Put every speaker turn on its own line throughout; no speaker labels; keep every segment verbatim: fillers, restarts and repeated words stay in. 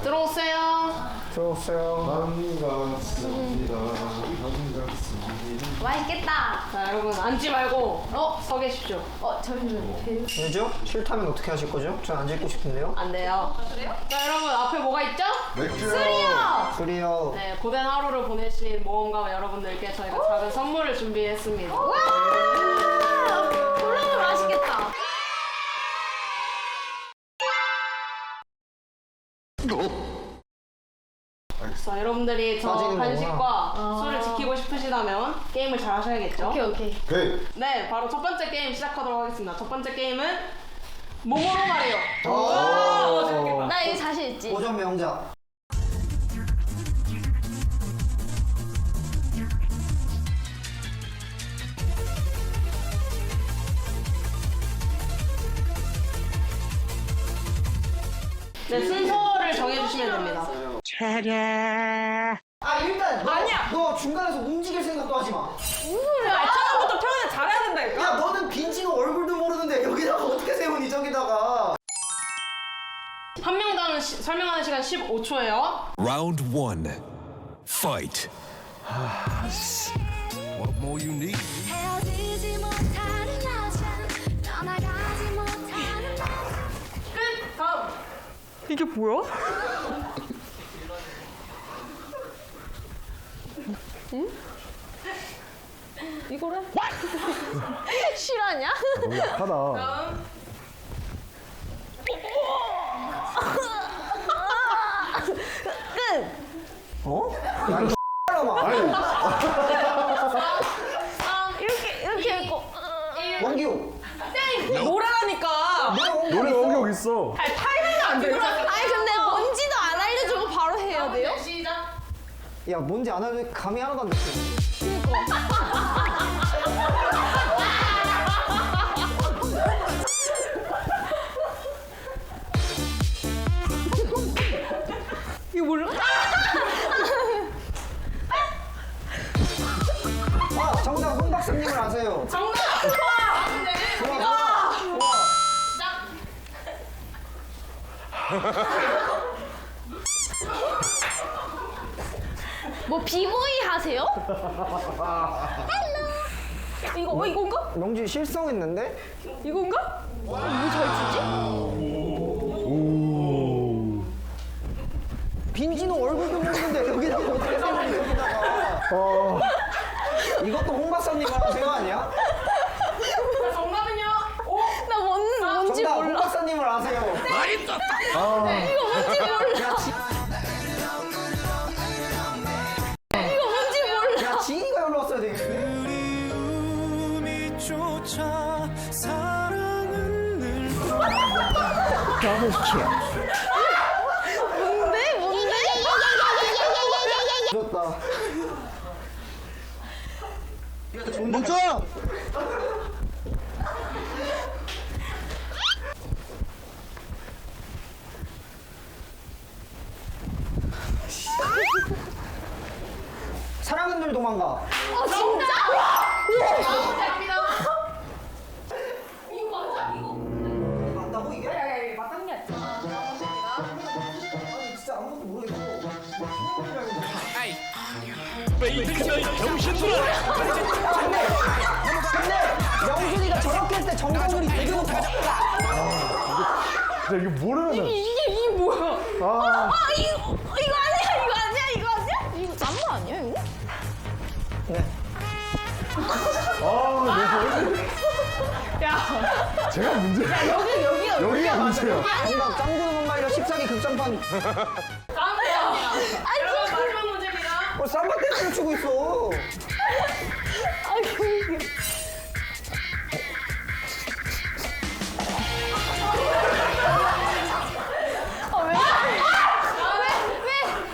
들어오세요.
들어오세요.
반갑습니다. 반갑습니다.
맛있겠다. 자, 여러분 앉지 말고 어? 서 계십시오.
어, 잠시만요. 배우.
왜죠? 싫다면 어떻게 하실 거죠? 전 앉아 있고 싶은데요.
안 돼요. 아, 그래요? 자, 여러분 앞에 뭐가 있죠?
맥주요.
술이요.
술이요.
네, 고된 하루를 보내신 모험가 여러분들께 저희가 작은 선물을 준비했습니다.
와! 너무 맛있겠다.
자, 여러분들이 저
빠지는
간식과
거구나.
술을 지키고 싶으시다면 게임을 잘 하셔야겠죠?
오케이, 오케이.
오케이.
네, 바로 첫 번째 게임 시작하도록 하겠습니다. 첫 번째 게임은 모모로 마리오.
오.
나 이거 자신 있지?
고전 명작.
네, 순서를 정해주시면 됩니다.
아 일단 너,
아니야.
너 중간에서 움직일 생각도 하지 마.
아, 처음부터 표현을 잘해야 된다니까?
야 너는 빈지노 얼굴도 모르는데 여기다가 어떻게 세우니 저기다가.
한 명당 시- 설명하는 시간 십오 초예요.
Round one. Fight.
What more you need?
헤어지지 못하는 여자 떠나가지 못하는 나
끝! 다음!
이게 뭐야? 응? 이거래? 실화냐?
너무 약하다.
다음!
끝!
어? 야 이거 X라마.
아, 이렇게, 이렇게 했고.
원기호.
노래라니까!
노래 원격 있어.
아니, 타이밍이 안 돼요.
아니, 근데 뭔지도 안 알려주고 바로 해야 돼요?
시작!
야 뭔지 안 하는데 감이 하나도 안 됐어.
이거 몰라?
아 정답 홍 박사님을 아세요.
정답!
좋아 좋아 좋아.
뭐 비보이 하세요? 이거 어 이건가?
명진 실성했는데?
이건가? 뭐잘 추지?
빈지노 얼굴도 모르는데 여기다가 어떻게 세우니 여기다가. 어. 이것도 홍 박사님 아세요 아니야?
정답은요? 오!
나 뭔, 뭔지
정답 홍
몰라.
박사님을 아세요.
이거 뭔지 몰라.
야, 지,
이거 뭔지 몰라.
야 지인이가 여기로 왔어야 되겠어.
쫓아 사랑은 늘
뭔데? 뭔데?
좋다. 멈춰! 사랑은 늘 도망가.
아 진짜?
갑니다.
맞다고 이게?
네, 맞다는 게 아니야.
아니 진짜 아무것도 모르겠어.
페이크는 정신들아.
근데 영준이가 저렇게 할 때 정답률이 되게 높아.
진짜 이게 모르면은.
이게 이게 뭐야?
아.
아 이거 이거 아니야 이거 아니야 이거 아니야? 이거 짠거 아니야 이거?
네.
아,
야,
내 제가 문제야.
여기, 여기야.
여기가 문제야.
정답 짱구는 엄마이라 십사기 극장판.
다음이에요. 여러분, 마지막 문제입니다.
어 삼바 댄스를 추고 있어.
아이고 이게. 아 왜? 아 왜?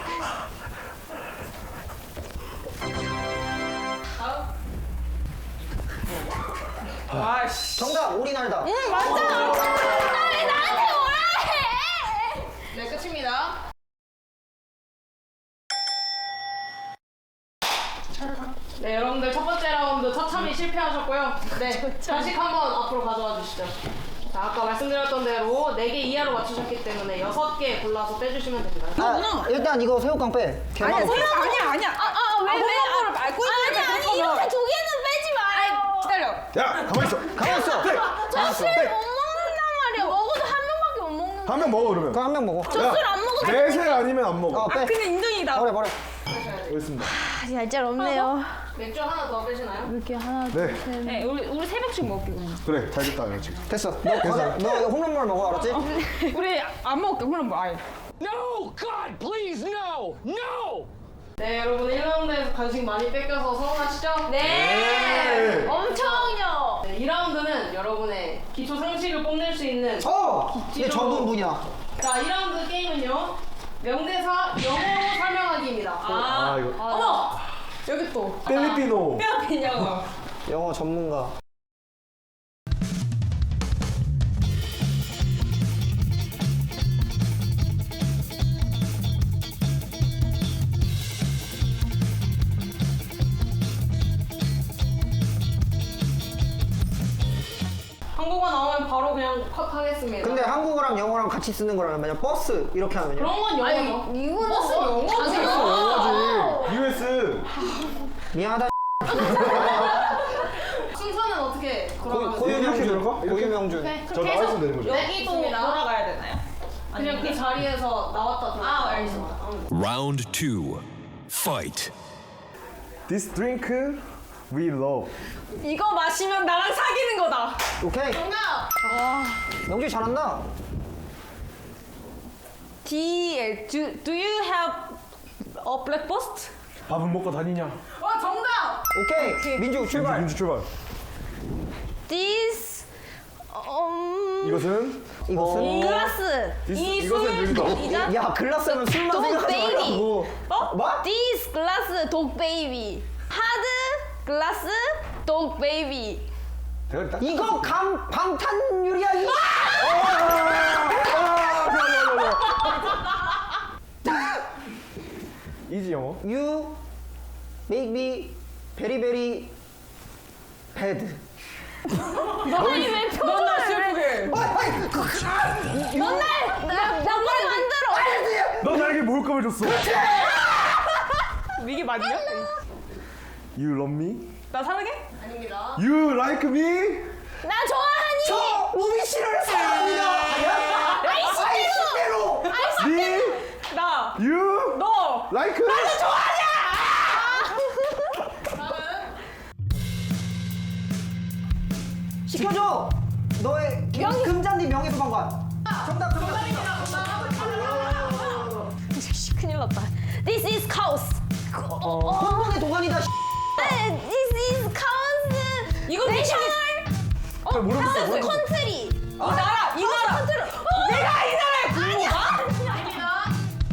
왜?
아이씨.
정답 오리날다.
응 맞아. 아왜 나한테 뭐라 해?
네, 끝입니다. 네, 여러분들 첫 번째 라운드 처참히 실패하셨고요. 네, 간식 한번 앞으로 가져와 주시죠. 자, 자, 아까 말씀드렸던 대로 네 개 이하로 맞추셨기 때문에 여섯 개 골라서 빼주시면 됩니다.
아, 일단 이거 새우깡 빼.
아니야,
개만
새우 아니야, 아니야. 아, 아, 왜, 왜?
홈런볼을 말고
아니,
있는데
아니,
그렇다면.
이렇게 두 개는 빼지 마요.
기다려.
야, 가만 있어.
가만 있어.
저 술 못 먹는단 말이야. 먹어도 한 명밖에 못 먹는.
한 명 먹어 그러면.
그럼 한 명 먹어.
저 술 안 먹어도
내세 아니면 안 먹어.
어, 빼.
근데 인정이다.
버려, 버려.
알겠습니다.
얄짤 없네요.
맥주 하나 더 빼시나요?
이렇게 하나,
네,
네, 우리 우리 세 병씩 먹게 그냥.
그래, 잘 됐다 이거 지금.
됐어. 너 과자, 너 이거 홈런볼 먹어, 알았지?
우리 안 먹을게. 그럼 뭐 아예.
No, God, please, no, no!
네, 여러분 일 라운드에서 간식 많이 뺏겨서 서운하시죠?
네.
엄청요.
네, 이 라운드는 여러분의 기초 상식을 뽐낼 수 있는
어! 이게 전문 분야.
자, 이 라운드 게임은요. 명대사 영어로 설명하기입니다.
아, 이거
어머. 여기 또.
필리핀어.
뼈 영어.
영어 전문가.
한국어 나오면 바로 그냥 컷 하겠습니다.
근데 한국어랑 영어랑 같이 쓰는 거라면 만약 버스 이렇게 하면요.
그런 건 영어죠.
이거는
버스 영어지.
영어지. 유에스.
미안하다.
순서는 어떻게
고,
돌아가면 돼요?
고유명준.
들어가? 이렇게?
고유명준.
네,
저
그렇게
나와
해서
있으면 되는 거죠?
여기도
돌아가야 되나요?
그냥 그 자리에서 나왔다 들어갔다.
아, 알겠습니다.
Round two. Fight.
This drink we love.
이거 마시면 나랑 사귀는 거다.
오케이.
정답!
명준이 잘한다.
D do do you have a breakfast?
밥은 먹고 다니냐?
와 정답.
오케이. 민주 출발.
민주 출발.
This um
이것은
이것은
글라스.
디스,
이
이것은
술.
여기다.
야 글라스는 술만
돈
생각하지
베이비.
말라고.
어?
뭐?
This glass dog baby. Hard glass dog baby.
내가 딱.
이거 감 방탄유리야 이.
이지 영어.
You make me very very bad.
너희 왜
넌날 슬프게.
너날 나날 만들어.
너 나에게 모욕감을 줬어.
이게 맞냐?
You love me?
나 사랑해?
아닙니다.
You like me?
나 좋아하니?
저 우미 씨를 사랑합니다.
아이씨대로.
아이씨대로.
Me?
나.
You?
너.
Like?
시켜줘. 너의 금, 금잔디 명예소방관. 정답 정답.
큰일 났다. This is cows.
홍콩의 도가니다.
This is cows.
이거
national. 어,
잘 모르겠어,
cows
모르겠어.
country.
이 나라 이 나라.
country.
내가 이 나라의 국모가?
아닙니다.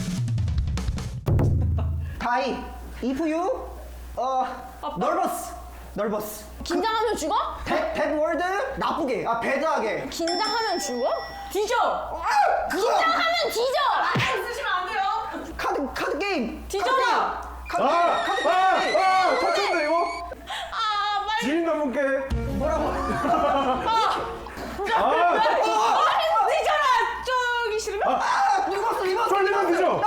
다이. If you 어 nervous nervous.
긴장하면 죽어?
bad bad word 나쁘게 아 배드하게.
긴장하면 죽어?
뒤져.
긴장하면 뒤져.
쓰시면 안 돼요.
카드 카드 게임.
뒤져라.
카드
아!
게임. 카드 게임.
아!
카드 게임.
아! 터쳤네 이거?
아, 빨리.
지인 남분께.
뭐라고?
아!
뒤져라. 저기 싫으면.
아 이거 이거.
쫄리면 되죠?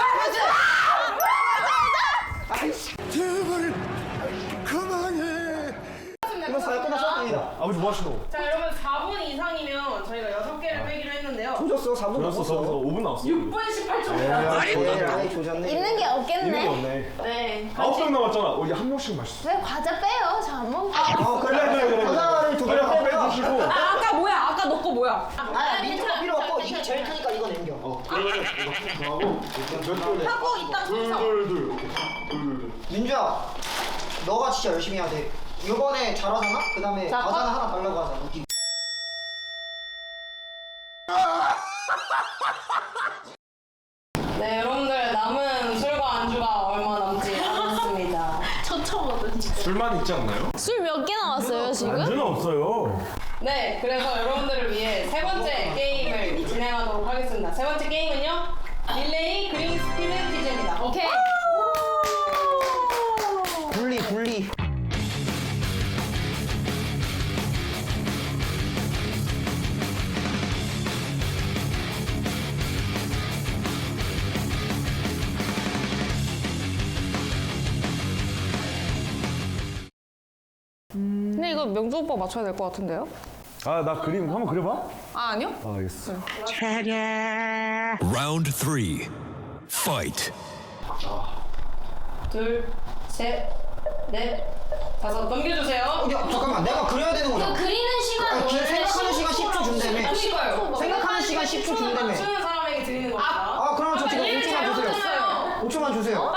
아이씨.
제발 그만해.
끝났어요 끝났어.
아버지 뭐 하시노?
자, 여러분 사 분 이상이면 저희가 여섯 개를 빼기로 했는데요.
조졌어 사 분
저였어 저였어 오 분 나왔어.
육 분 십팔 초.
예, 아이 조졌네.
있는 게
이거
없겠네.
없네.
네.
아홉 명 남았잖아. 어, 이제 한 명씩 마셨어.
왜 과자 빼요? 저 안 먹을게요.
어 그래
그래, 그래, 그래.
과자를 두
빨리
개를
한
빼
빼주시고.
아, 아까 뭐야? 아까 너 거 뭐야?
아 민트가 필요 없고 이게 제일 크니까 이거 남겨.
어, 그러면 이거 하고 몇 돌?
하고 이따 순서.
둘둘둘. 오케이. 둘둘둘.
민주야 너가 진짜 열심히 해야 돼. 이번에 잘하잖아? 그 다음에
자,
과자는
컷.
하나 달라고 하자. 웃기게.
네, 여러분들 남은 술과 안주가 얼마 남지 않았습니다.
저처거든.
술만 있지 않나요?
술 몇 개 나왔어요 지금?
안주는 없어요.
네, 그래서 여러분들을 위해 세 번째 게임을 진행하도록 하겠습니다. 세 번째 게임은요, 릴레이 그린 스피드 퀴즈입니다.
오케이.
분리 분리.
이거 명주 오빠 맞춰야 될 것 같은데요?
아, 나 그림 한번 그려봐.
아 아니요?
아, 알겠어.
Round three. Fight.
둘, 셋, 넷, 다섯. 넘겨주세요.
야 잠깐만 내가 그려야 되는 거잖아.
그리는 시간
아니,
원래
생각하는 시간 십 초 준다며.
아니까요.
생각하는 시간 십 초 준다며.
맞추는 사람에게 드리는 겁니다.
아 그러면 저 지금 오 초만 주세요.
잘못했어요.
오 초만 주세요.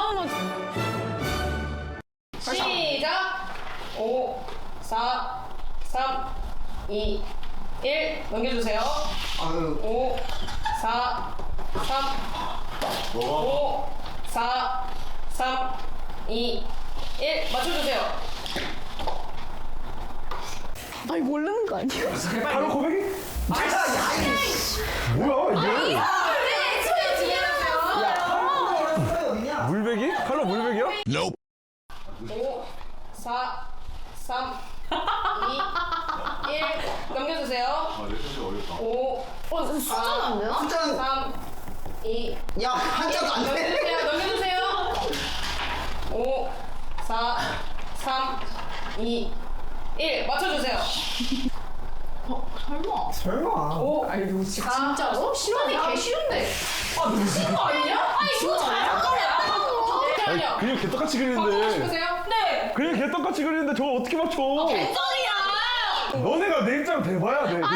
시작. 오, 사, 삼, 이, 일. 넘겨주세요.
아유.
오, 사, 삼, 오, 사, 삼, 이, 일. 맞춰주세요.
아니 모르는 거 아니야?
바로 고백이? 뭐야, 이게?
네, 소리 지내주세요.
물배기? 칼로 물배기야?
Nope.
오, 사, 삼, 이, 일. 넘겨주세요.
아, 내 사실 어렵다.
오,
어 숫자는 안 되나?
숫자는
삼, 이,
야 한자도 안 돼.
넘겨주세요. 넘겨주세요. 오, 사, 삼, 이, 일. 맞춰주세요.
설마.
오,
아니 이거 진짜
진짜로? 시간이 개 쉬운데. 아, 미친 거 아니냐? 아니, 이거 잘한 거야.
아니,
잠깐만요.
그림 개떡같이
바꾸고
그리는데.
싶으세요? 네.
그림 개떡같이 그리는데 저거 어떻게 맞춰?
소리야.
너네가 내 입장 대봐야 돼.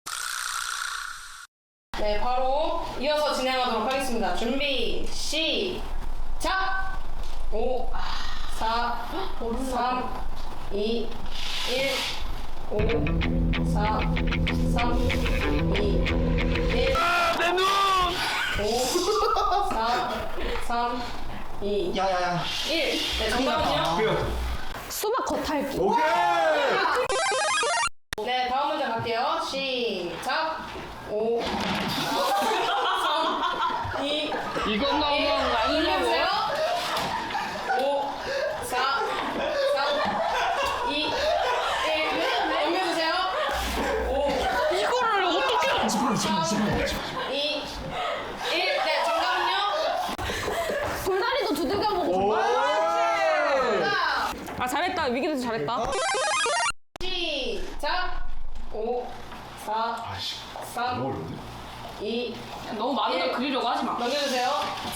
네, 바로 이어서 진행하도록 하겠습니다. 준비, 시작! 오, 사, 삼, 이, 일, 오, 사, 삼, 이, 일. 내 눈! 오, 사, 삼, 이,
야야야.
일. 네, 정답은요?
수박 겉핥기.
오케이!
네, 다음 문제 갈게요. 시작! 오, 사, 삼, 이,
이건 너무
넘겨주세요. 오, 사, 삼, 이, 일. 넘겨주세요. 오,
이거를 어떻게?
삼, 이, 일. 네, 정답은요?
돌다리도 두들겨 보고.
오!
아 잘했다. 위기도 잘했다.
시작. 오, 사, 삼,
너무 어려운데?
이,
너무 많은 걸 그리려고 하지 마.
넘겨주세요.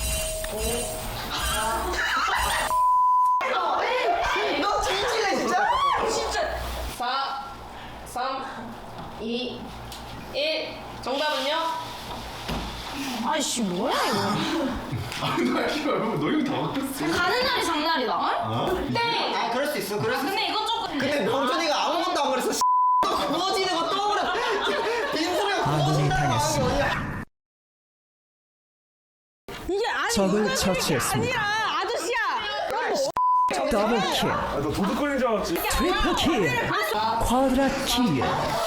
너 진실해 진짜?
사, 삼, 이, 일. 정답은요?
아이씨 뭐야 이거?
아니, 나 이거 너 이거 다 바뀌었어.
가는 날이 장날이다. 땡.
아 그럴 수 있어. 그럴 수 있어.
근데 이거 조금.
근데 명준이가 아무것도 안 그랬어. 또 구워지는 거 떠오르. 빈소리가 구워진다는 마음이 어디야?
이게 아니
적을
이거
처치했습니다.
아니라 아저씨야.
더블킬.
아, 너 도둑거리는 줄 알았지?
트리플킬. 쿼드라킬.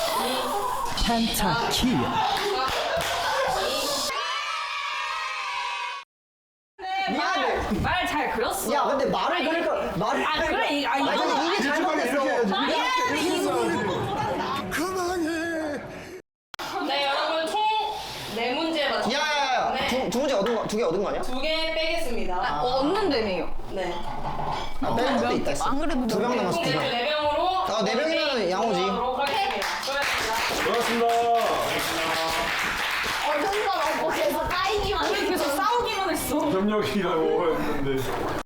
펜타킬.
미안해.
말 잘 그렸어.
야 근데 말을 그러니까 말을.
아 그래 이 아,
아니
이거
근데 이게 잘못됐어.
네, 여러분 총 네 문제 맞췄습니다.
야야야.
네.
두, 두 문제 얻은 거, 두 개 얻은 거 아니야?
두 개 빼겠습니다.
얻는다며요.
네.
아, 뺄 것도 있다 했어.
안 그래도
두 명 남았어.
총
두
네
명.
네 명으로.
아, 네 명이면은 양호지.
하도록 하겠습니다. 수고하셨습니다.
고맙습니다.
어른가 없고 계속 까이기만 해.
그래서 싸우기만 했어.
협력이라고 했는데.